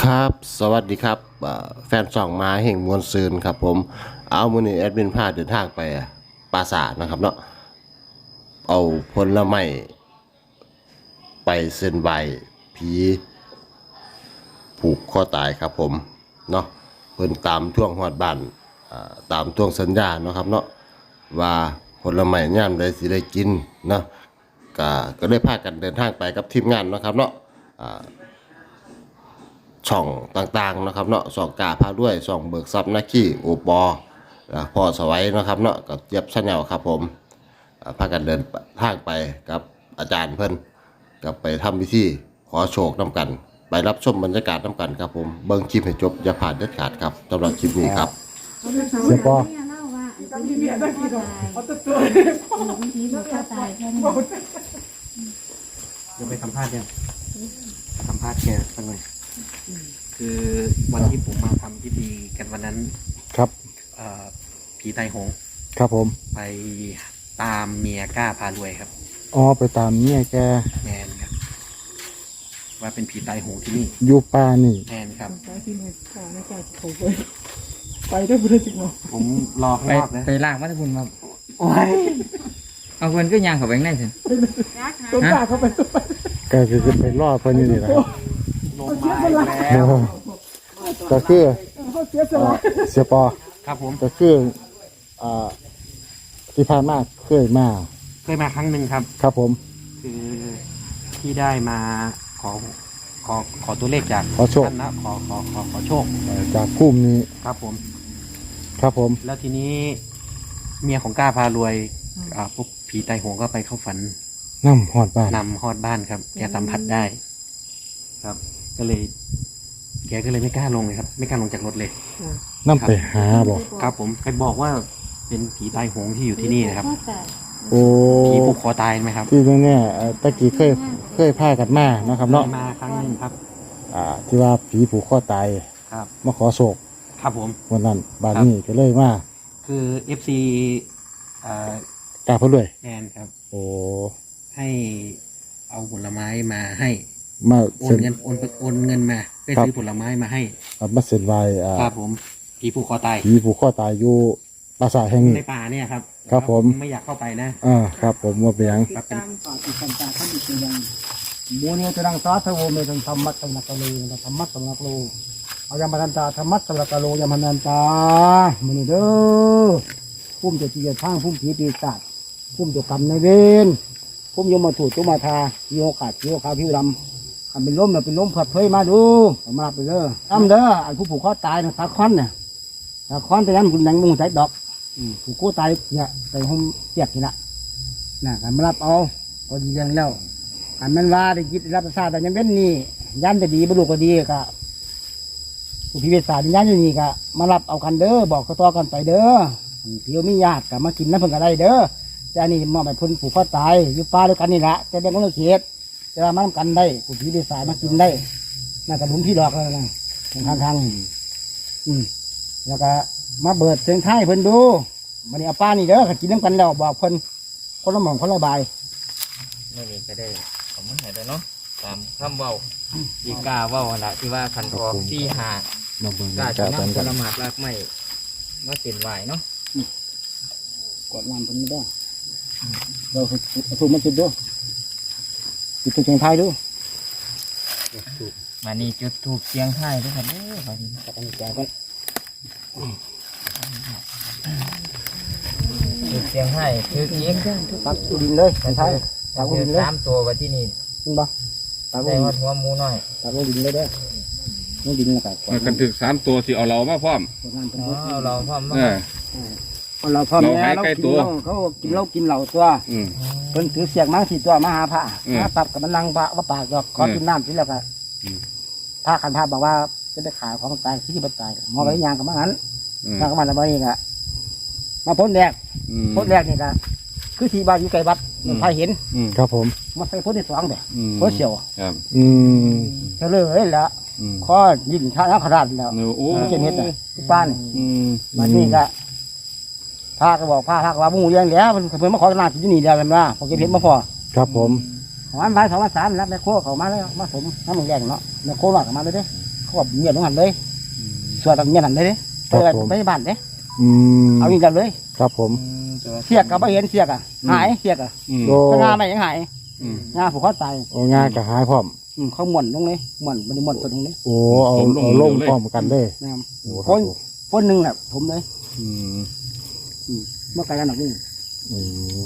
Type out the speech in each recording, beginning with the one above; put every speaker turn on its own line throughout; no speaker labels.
ครับสวัสดีครับแฟนส่องมาแห่งมวลซืนครับผมเอามื้อนี้แอดมินพาเดินทางไปปราสาทนะครับเนาะเอาผลไม้ไปเส้นไหว้ผีผูกคอตายครับผมเนาะเพิ่นตามท่วงฮอดบ้านตามท่วงสัญญาเนาะครับเนาะว่าผลไม้ยามใดสิได้กินเนาะก็ได้พากันเดินทางไปกับทีมงานเนาะครับเนาะ ช่องต่างๆนะครับเนาะช่องกาพาด้วยช่องเบิกทรัพย์นักขี่โอปอพ่อสวัยนะครับเนาะกับเจี๊ยบชาแนลครับผมพากันเดินทางไปกับอาจารย์เพิ่นกับไปทำพิธีขอโชคน้ำกันไปรับชมบรรยากาศน้ำกันครับผมเบิ่งคลิปให้จบอย่าผ่านเด็ดขาดครับสำหรับคลิปนี้ครับ
เสียปอ
เล่าว่า
ผีผูกคอตายแค่นี้
เดี๋ยวไปสัมภาษณ์ยังสัมภาษณ์แกสักหน่อยคือวันที่ผมมาทำพิธีกันวันนั้น
ครับ
ผีไตหงส์
ครับผม
ไปตามเมียกล้าพารวยครับ
อ๋อไปตามเนี่ยแก
แมนครับว่าเป็นผีไตหงส์ที่นี่
อยู่ป่านี่
แมนครับ
ไปได้บุญจริงเหรอ
ผมรอข้าง
ไป
นอกนะ
ไปล่างวัดพุนมา
โอ้ย
เอาเพิ่นก็ย่างเข้าไปข้างในสิ
ต้น
ฮะ
ก็คือไปรอดเพิ่นนี่นี่แหละครับ
ลงมาอีกแล้ว
ก็คือเสียปอ
ครับผม
ก็คือที่ผ่านมาเคยมา
เคยมาครั้งหนึ่งครับ
ครับผม
คือที่ได้มาขอขอตัวเลขจาก
ขอโชค
ท่านนะขอโชค
จากคุ้มนี้
ครับผม
ครับผม
แล้วทีนี้เมียของกล้าพารวยพวกผีไตหงก็ไปเข้าฝัน
น้ำหอดบ้าน
นำฮอดบ้านครับ แกสัมผัสได้ ครับ ก็เลย แกก็เลยไม่กล้าลงเลยครับ ไม่กล้าลงจากรถเลย
น้ำไปหาบอก
ครับ ผมใครบอกว่าเป็นผีไตหงที่อยู่ที่นี่นะครับ
โอ้
ผีผูกคอตายไหมครับ
ที่แน่ๆตะกี้เคยพากันมานะครับเนาะ
มาครั้งหนึงครับ
ที่ว่าผีผูกคอตาย
ครับ
มาขอโศก
ครับผม
วันนั้นบ้านนี้ก็เลยมา
คือ FC อ่าก
ล้าเพิ่นด้วย
แนนครับ
โอ้
ให้เอาผลไม้มาให้
มา
โอ
เซ็
น
น
เงินโอนเงินมาเพื่อ
ครับ
ซื้อผลไม้มาให้
มาเซ็นไว้
ครับผมผีผูกคอตาย
ผีผูกคอตายอยู่ปราสาทแห่งนี้
ในป่าเนี่ยครับ
ครับผม
ไม่อยากเข้าไปนะ
ครับผมว่าเป็นหยัง
ครับเป็น
โมเนียจะดังสาธโวเมตันธรรมัตสังนักโลธรรมัตสังนักโลเอายามันตาธรรมัตสังนักโลยามันตามันเด้อพุ่มจะจีจะทางพุ่มผีปีศาจพุ่มจะกรรมในเวรพุ่มยมมาถูกจุมาทาโยขาดโยขาผิวดำทำเป็นล้มเนี่ยเป็นล้มผัดเผยมาดูมาไปเด้ออ้ำเด้อไอ้ผู้ผูกคอตายนะสาคอนเนี่ยสาคอนแต่นั้นคุณยังมุงใจดอกผูกคอตายเนี่ยใส่ห้องเปียกนี่ละน่ะการมารับเอาก็ดีอย่างแล้วอันนั้นว่าได้คิดรับประสาทแต่ยังเป็นนี่ยันจะดีบรรลุก็ดีก็ผู้พิเวศาสยันอยู่นี่ก็มารับเอากันเด้อบอกต่อกันไปเด้อเพียวมีญาติก็มากินน้ำเพิ่งก็ได้เด้อแต่อันนี้มอบไปพ้นผูกคอตายอยู่ป่าด้วยกันนี่แหละจะเป็นคนละเขตจะมาทำกันได้ผู้พิเวศาสมากินได้น่าจะหลุมพี่ดอกแล้วนะทางแล้วก็มาเบิดเสียงไทยเพิ่นดูมันนี่เอาป้านี่เด้อกินน้ำกันแล้วบอกเพิ่นคนละหม่องคนละใบ
ไม่มีก็ได้ผมมันหายไปเนาะตามคำเว้าที่กล้าเว้าหั่นละที่ว่าขันทอกที่หา
มาเบิ่ง
กล้า
กั
จะ
นกัน
นำผ
กัน
ลหมากรากไม้มาเส้นไหวเนาะ
กดน้ำเพิ่นไม่ได้เราถูกมันจุดด้วยจุดเสียงไทยด้วย
มานี่จุดถูกเสียงไทายด้วยครับเด้อบัดนี้
กับอันนี้แกก็
จุดเสียงไทายคือเอก
ตักดินเลยเสียงไทยตัก
คือ
ดินเลย
สามตัวว่าที่นี่
จริงปะตัก
ได้
ดิน
ว่าหัวหมูน้อย
ตักดินเลยเด้อนี่ดินแล้วก็กด
กันถึง3 ตัวที่เอาเรามาพร้อม
น้ำเป็น
อ๋อเราพร้อมมา
เราพ่อแม่
เราให้ใกล้ตัว
เขากินเหล้ากินเหล้าตัว
อืม
เพิ่นถือเสียงมาสี่ตัวมาหาพระ
อืม
มาปรับกับมันนั่งพระว่าปากดอกขอกินน้ำกินแล้วก็
อืม
พระคันพระบอกว่าจะได้ขายของตายที่มันตายหมอไปยางกับมันนั้น
อืม
ยางกับมันแล้วมาเองอะมาพ้นแรก
อืม
พ้นแรกนี่ก็คือที่บ้านอยู่ไกลวัดมันพายเห็น
อืม
ครับผม
มาใส่พ้นที่สองเด้อ
อืม
พ้นเสียว
ครับ
อืม
ก็เลยแล้ว
อืม
ข้อยินท่านักขราดแล้ว
โอ้
เจนเฮ็ดอ่ะที่บ้าน
อืม
วันนี้ก็พาก็บอกพาก็ว่าหมู่เลี้ยงแล้วมันเพิ่นมาขอหน้าที่นี่แล้วกันว่าพอเก็บเห็ดมาพอ
ครับผม
วันบ่าย2 วัน 3แล้วแม่โคเขามาแล้วมาสมน้ำมึงแดงเนาะแม่โคหลอกมาเลยเด้เขาบอกเมียนของหันเลยส่วนต่างเมียนหันเลยเด้ไปบ้านเด้
อืม
เอาอย่างเดียวเลย
ครับผม
เสียกกับไม่เห็นเสียกอ่ะหายเสียกอ่ะ
โอ้
งาไม่ยังหายงาผูกคอตาย
โอ้งานก็หายพร้อม
เขาหม่อนลงเลยหม่อนมันหม่อนตัวตรงนี้
โอ้เอาลงพร้อมกันเลย
นะครับ
โอ้ค
ครับ น
ผม
คนหนึ่งแหละผมเลย
อืม
เมื่อไกลกันหนักนี่
อืม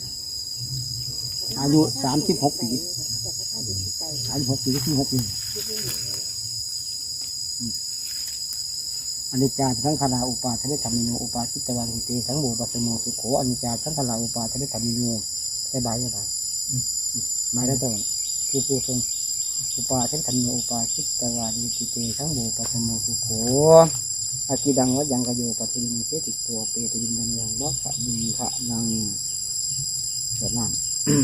อายุ36 ปี36 ปีที่6ปีอนิจจาสังขารอุปาทเวธรรมิโนอุปาทิตวันติสังโมปัสสโมสุโขอนิจจาสังขารอุปาทเวธรรมิโนได้ใบได้ใบได้ตรงคือผู้ทรงอุปาทิตธรรมิโนอุปาทิตวันติสังโมปัสสโมสุโขอากิดังวัดยังกโยปฏิริเสติตัวเปติรินันยังวัฏบุญขะนังเกิดน้ำ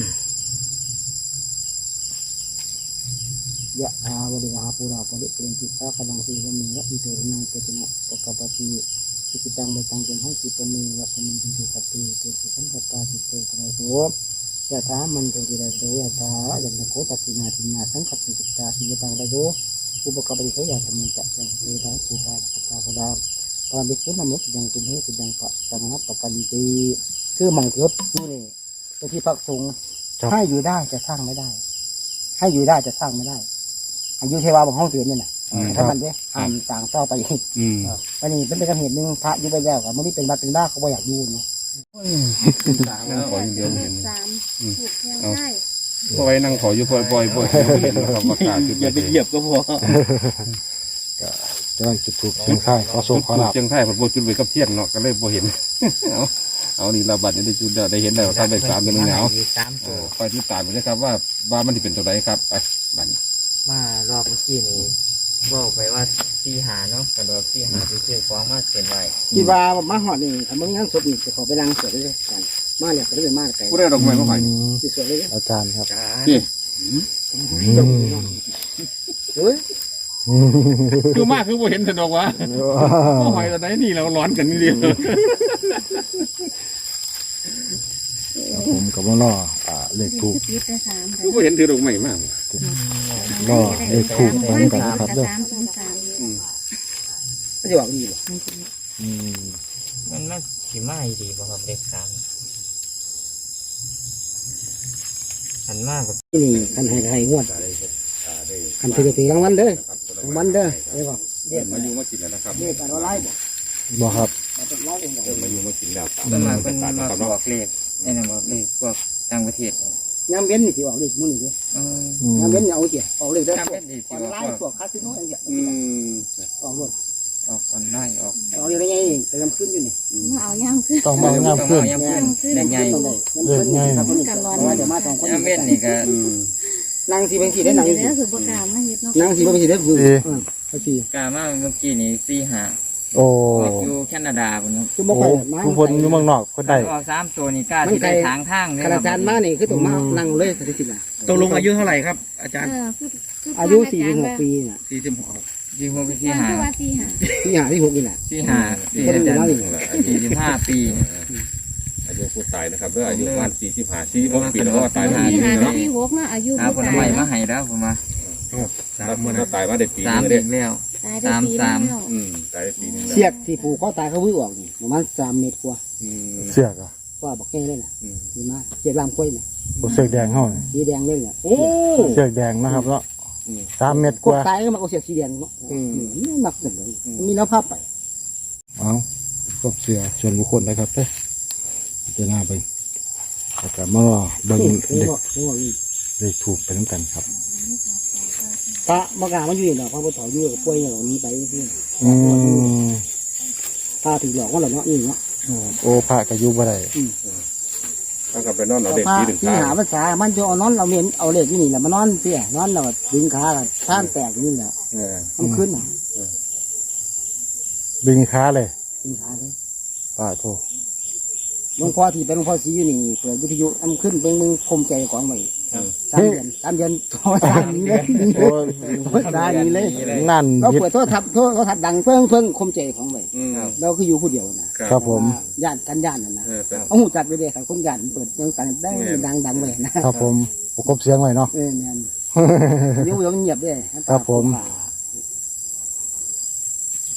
ยะอาวริวหาปุราปริเปรนจิตตากำลังสีวมีวะอิโตนังเปตินะปะกปติสิกิตังเบตังเป็นห้องจิปมีวะสมินติตุสัพเพเตสิสังกปาจิตโตปะโสยะถามันโตติระโสยะถายันตโคตัตินาทินาสังขปิจิตตาสิยตังระโยอุปกปติเขาอยากทำมันจะเป็นเวทาภูตาจักตาภูดาปราบิคุนมุตยังตุนเหตุยังปะสังนับปะกันตีคือมังเทียบนู่นนี่เป็นที่พักสงฆ์ให้อยู่ได้จะสร้างไม่ได้ ให้อยู่ได้จะสร้างไม่ได้อายุเทวาบางห้องเตือนนี่นะถ้ามันเนี่ยห้ามต่างต่อไปอีกอันนี้เป็นเหตุหนึ่งพระอยู่ไปแล้วกับมันนี่เป็นบัตรเป็นบ้าเขาไม่อยากอยู่เนาะ
ขออย่างเดียวเห็น
3ถูกยังได้
เอาไว้นั่งขออยู่บ่อยๆเห็นนะครับประกาศจุด
อย่าไปเหยียบก็พอ
จะได้จุดถูกเชียงค่ายขอโชคขอลาบ
เชียงไทยผมจุดไว้กับเทียนเนาะก็เลยบ่เห็นเอานี่เราบัดนี้ได้จุดได้เห็นแล้วครับได้3เป็นแนว
3ตัว
คอยติดตามไปเลยครับว่ามันจะเป็นตัวใดครับไปบัดนี้
มารอบเมื่อกี้นี่บอกไปว่า4หาเนาะกระโดด4หาที่ชื่อฟ้องมาเขียนไว้
คิดว่ามาหอดนี่ถ้ามึงยังศพนี่จะขอไปล้างสวยเลยกันมาเนี่ยก็ได้มาไกล
ผู้ได้ดอกไม้มาให้
ที่สวยเลย
อาจารย์ครับ
นี่
เฮ้ย
คือมากคือบ่เห็นสนอกว่าบ่หอยตัวไหนนี่เราร้อนกันนี่เดียว
ผมกับว่าล่อเลขถูก
ปิดได้3
คือบ่เห็นถือดอกไม้มาก
ล่อเลขถูกเหมือนกันนะครับเด้อ
ไม่ได้บอกดีหรอ
อืม
มันน่าสิมาอีดีบ่ครับเด็ก3หันมากกับ
นี่กันให้งวดกันถือรางวัลเด้อรางวัลเด้อเดี๋ยวก่อนเรียก
มาอยู่มากินแล้วนะครับ
เรียกกันว่าไล่บ่
บ่ครับ
เป็นไล่เองบ่
มาอยู่มากินแล้ว
ต้นมาเป็นมาบอกเลขนี่นะบอกเลขพวกต่างประเทศ
ยามเว้นนี่ที่ออกเลขมื้อนี่เด้
อืม
ยามเว้นเอาเกี่ยออกเลขได้
ยามเว้นนี่สิ
ออน
ว่า
ไลน์พวกคาสิโนอย่างเงี้ยออกหมด
ออกออนไลน์ออก
ออกเลขได้ไงนี่ไปยามขึ้นอยู่นี่
มาเอาย่างขึ้น
ต้องมางามขึ้น
ยามขึ้นได้ไง
ครับคนนี้กันว่าจะมาสองคน
ยามเว้นนี่ก็
นางสีเป็นสีได้นาง
เดี๋
สี
ยวคือประกาศมาเฮ็ดเนาะ
นางสีเป็นสีได้ฟูเขาสี
กามาเมื่อกี้นี่4หา
โอ้
ออกอยู่แคนาดาพุ่นเนาะ
คือบ่
โอ้
ค่อย
ผู้คนอยู่เมืองนอกคนใด
ออก3ตัวนี่กล้าสิได้ทางทางนี่
คณาจารย์มานี่คือต้องมานั่งเลยสถิติน่ะ
ตกลงอายุเท่าไหร่ครับ อาจารย์
อายุ46ปีน่ะ
46
ยี่ห้อ
ที่
4หา
ว่าที่หา
ที่หาที่6นี่แหละ
4หาที่อาจารย์45ปี
อายุผู้ตายนะครับอายุประมาณ45 46ปีแล้วก็ตาย
ที่หา
เนาะ
ที่6เนาะอายุ
หาผล
บ่
ไม้
ตาย
มาให้แล้วผมว่า
แล้วมันก็ตายมาได้ปี
3
นึง
อี
เด้
กแล้ว
ตายได้ปีแล้ว
ตายได้ปีนึง
เสียกที่ผูกคอตายเขาวิ่งออกนี่ประมาณ3 เมตรกว่า
เสือกอ่ะ
ว่าบอกแก่เลยน่ะดีมากเสียกลามกล้วยน่ะ
โอ้เสือกแดงเฮานี่
สีแดงเลยน่ะโอ้
เสือกแดงนะครับเนาะ3 เม็ด
พ
ก
วก
ว่า
ตายก็มาเอาเสียกสีแดงเนาะนี่มักจังเลยมีแล้วภาพไป
เอาครบเสือส่วนบุคคลนะครับเด้อจะหน้าไปแล้วก็มารอเบิ่งเลขถูกไปน้ำกันครับ
พระมกรามันอยู่นี่เนาะพระพุทธอยู่กับป่วยอย่างนี้ไปที่
อืม
พระถือหลอกว่าเหรอเนาะนี่เนาะ
โอ้พระก็อยู่บ่ได้
ถ้ากับไปนอนเอาเด็ก
พระ
ปีถึง
ที่
ตาย
หาภาษามันจะเอานอนเราเมียนเอาเลขที่นี่แหละมานอนเสียนอนเราดึงขากับท่านแตกนี่แหละมันขึ้นน่ะ
ดึงขาเลย
ดึงขาเลย
ป้าโท
หลวงพ่อที่เป็นหลวงพ่อสีอยู่นี่เปิดวิทยุอันขึ้นเป็นมึงคมใจของไว้3 เดือนโทรศัพท์นี้เลยโทรศัพท์นี้เลย
นั่น
เรา
เฮ็ด
เปิดโทรศัพท์ดังเพิ่งคมใจของไว้เราคืออยู่ผู้เดียวนะครับ
ผม
ญาติกันญาติน่ะนะเอาหูจัดไปเลยครับคนญาติเปิดยังกันได้ดังไว้นะครับ
ผมประกบเสียงไว้เนาะ
แม่นอยู่เงียบด้วย
ครับผม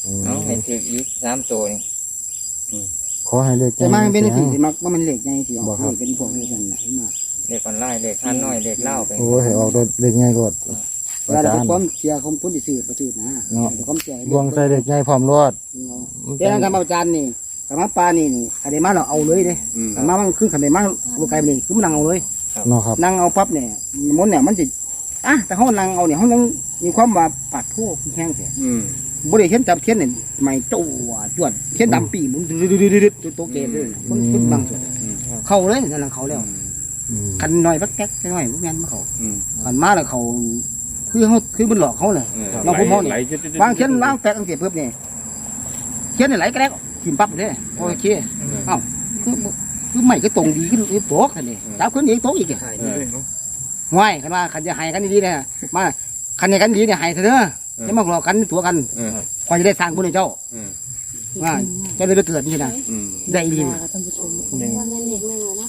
เอาให้ถืออีก3ตัวนี่
ขอให้เลข
แต่มาเป็น
สี
สี
ยง
ที่มักว่ามันเหล็กไงที่ออกเลยเป็นพวกเดียวกันนะเห็นไหม
เลขออนไลน์เลขข้านน้อยเลขเล่าไป
โอ้ยให้ออกด้วยเลขง่ายรวด
เวลา
อา
เรา
จารย์
ความเชียร์ความพ้นที่สื่อประสื่อนะเดี๋ยวความเชียร์
ดวงใส่เลขง่ายพร้อมรวด
เจ้าการอาจารย์นี่กรรมปลานี่ขันเดมาเราเอาเลยเด้กรรมมันคือขันเดมาลูกไก่นี่คือมันนั่งเอาเลย
เนาะครับ
นั่งเอาปั๊บเนี่ยมดเนี่ยมันจะแต่ห้องนั่งเอาเนี่ยห้องนั่งมีความว่าปัดผู้แห้งเสียบริเขียนจับเขียนเนี่ยไม่โจ้จวดเขียนดำปีมันดืดๆตัวเกศเลยมันบางส่วนเข้าเลยนั่นแหละเขาแล้วขันหน่อยพักแก๊กหน่อยพวกนั้นมาเขาขันมาแล้วเขาคือมันหลอกเขาเลยน้องคุณพ่อเนี่ยวางเขียนวางแปะตั้งเสียเพิ่มเนี่ยเขียนเนี่ยไหลกระแดกขิมปั๊บเลยโอเคเอ้าคือไม่ก็ตรงดีขึ้นโต๊ะกันนี่จับขึ้นอีกโต๊ะอีกง่ายขันว่าขันจะหายกันดีๆเนี่ยมาขันเนี่ยกันดีเนี่ยหายเถอะเด้อจะมาหลอกกันตัวกันคอยจะได้สร้างบุญให้เจ้าว่าเจ้าเลยไปเกิดนี่นะได้ดี
ท่านผู้ชม
วันนั้นเด็กนั่งเนาะ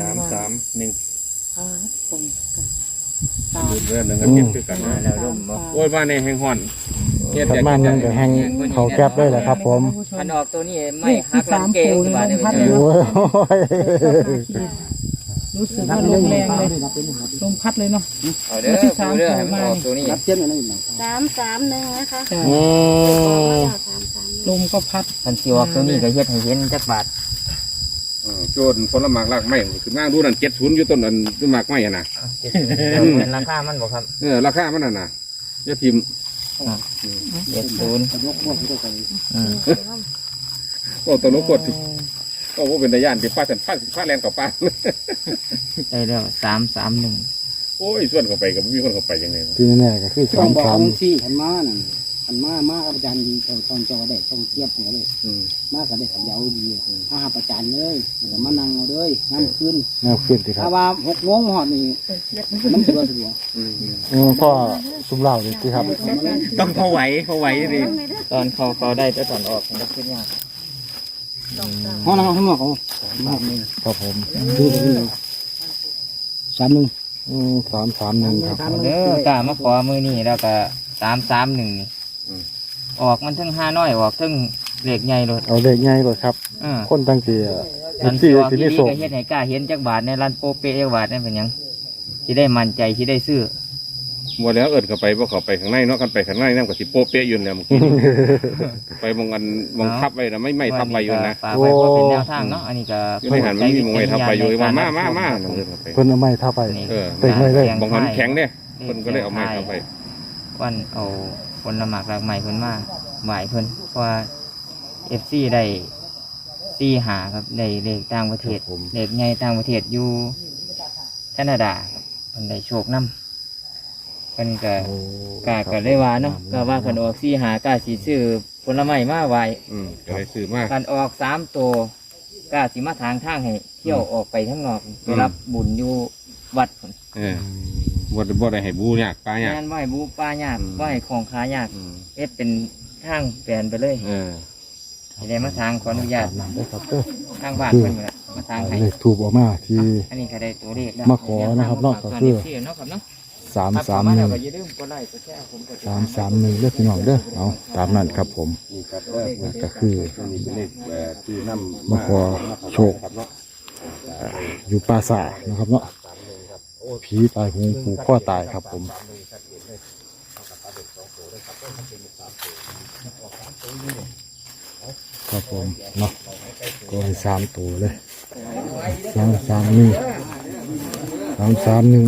เรื่องหนึ่งก็เก็บคือกัน
แล้วร่มบ่
โอ้ยบ้านในแห่งห่อนเฮ็ด
ประมาณนั้นก็แห้งเขาแก๊บได้แหละครับผม
คันออกตัวนี้ไม่หักหลังเกงบาดได้ไป
โอ้ย
รู้สึกว่าลมแรงเลยลมพัดเลยเนาะ
เอาเด้อเอาเด้อให้มันออกตัวนี้
รับเช่นอะไรบ้าง
331นะคะ
อืม
ลมก็พัด
คันสิออกตัวนี้ก็เฮ็ดให้เห็นจักบาท
โจรผลหมากรากไม้ขึ้นมาดูนั่น70อยู่ต้นนั้นต้นหมากไม้น่ะ
เป็นราคามันบ่ครับ
ราคามันน่ะอย่าทิ่ม
70
กระดกพวกที่ตัวไก่
ก็ตลกกดก็ว่าเป็นตาย่านที่ป้าสันป้าแลนกับป้า
ได้แล้ว331
โอ้ยส่วนเข้าไปกับมีคนเข้าไปยังไง
ที่แน่ๆก็คือ
ต้องบอก
33
ที่ขันมานั่นขันมาอาจารย์ดีตอนจอได้ช่องเทียบหัวเลยมากกับได้ขันยาวดีถ้าหาประจานเลยแต่มานั่งเอาเลยน้ำขึ้น
แนวขึ้นสิครั
ถ้า
บ
ว่า6 โมงหอดนี่มันสะดวก
พ่อซุ่มเหล่านี่สิครับ
ต้องพอไหวดิ
ตอนเขาได้แต่ตอนออกมันก็ขึ้นยาก
ห้องนั่งข้างนอกเขา
ครับผม
ดู3-1
331ครับ
เด้อกล้ามาขอมือนี่แล้วก็331นี่ออกมันทั้ง5น้อยออกทั้งเลขใหญ่เลย
เอาเลขง่ายกว่าครับ คนตั้งใจ
อัน
ที่
ที่ออก
ที่
ที่
นี่
นี่
ส่ง
ก็เฮ็ดให้กล้าเห็นจักบาทในร้านโปเปจักบาทนั่นเป็นหยังสิได้มั่นใจสิได้ซื้อ
หมดแล้วเอิดเข้าไปบ่เข้าไปข้างในเนาะกันไปข้างในนั่นก็สิโปเปะอยู่แล้วเมื่อกี้ไปมองกันมองทับไว้นะไม่ทับไว้อยู่นะ
ฝากไว้เพราะเป็นแนวทางเนาะอันนี้ก็
อยู่ในหันมันมีมองไว้ทับไว้อยู่ว่ามานั่นเลยเข้าไป
เพิ่นเอาไม้ท่าไป เต็มเลยเลย
บางคนแข็งเนี่ยคนก็เลยเอาไม้เข้าไป
วันเอาผลหมากรากใหม่เพิ่นมาไหวเพิ่นเพราะว่า FC ได้4หาครับได้เลขต่างประเทศเลขใหญ่ต่างประเทศอยู่แคนาดาครับเพิ่นได้โชคนำเพิ่นก็ก็ได้ว่าเนาะก็ว่าคันออก4หากล้าสิซื้อผลไม้มาไหว
ก็เลยซื้อมาก
คันออก3ตัวกล้าสิมาทางให้เที่ยวออกไปข้างนอกไปรับบุญอยู่วัดพุ่น
บ่ได้ให้บูยากปลายาก
งานไหว้บูปลายากไหว้ของขายากเป็นทางแปลนไปเลยที่ได้มาทางขออนุญาต
นั่นได้ครับเด้อ
ทางบ้านเพิ่นละมาทางให้
เลขถูกออกมาที่
อันนี้ก็ได้ตัวเลขแล้ว
มาขอนะครับเนาะก็คือ
เนาะครับเนาะ
331
ก็อย่าลืมกดไลค์กดแชร์ผมกด
331เด้อพี่น้องเด้อเอาตามนั้นครับผมก็คือ
ที่นำ
มาขอโชคอยู่ปราสาทนะครับเนาะผีตายหงผูกข้อตายครับผมครับผมเนาะก็ให้3 ตัวเลย331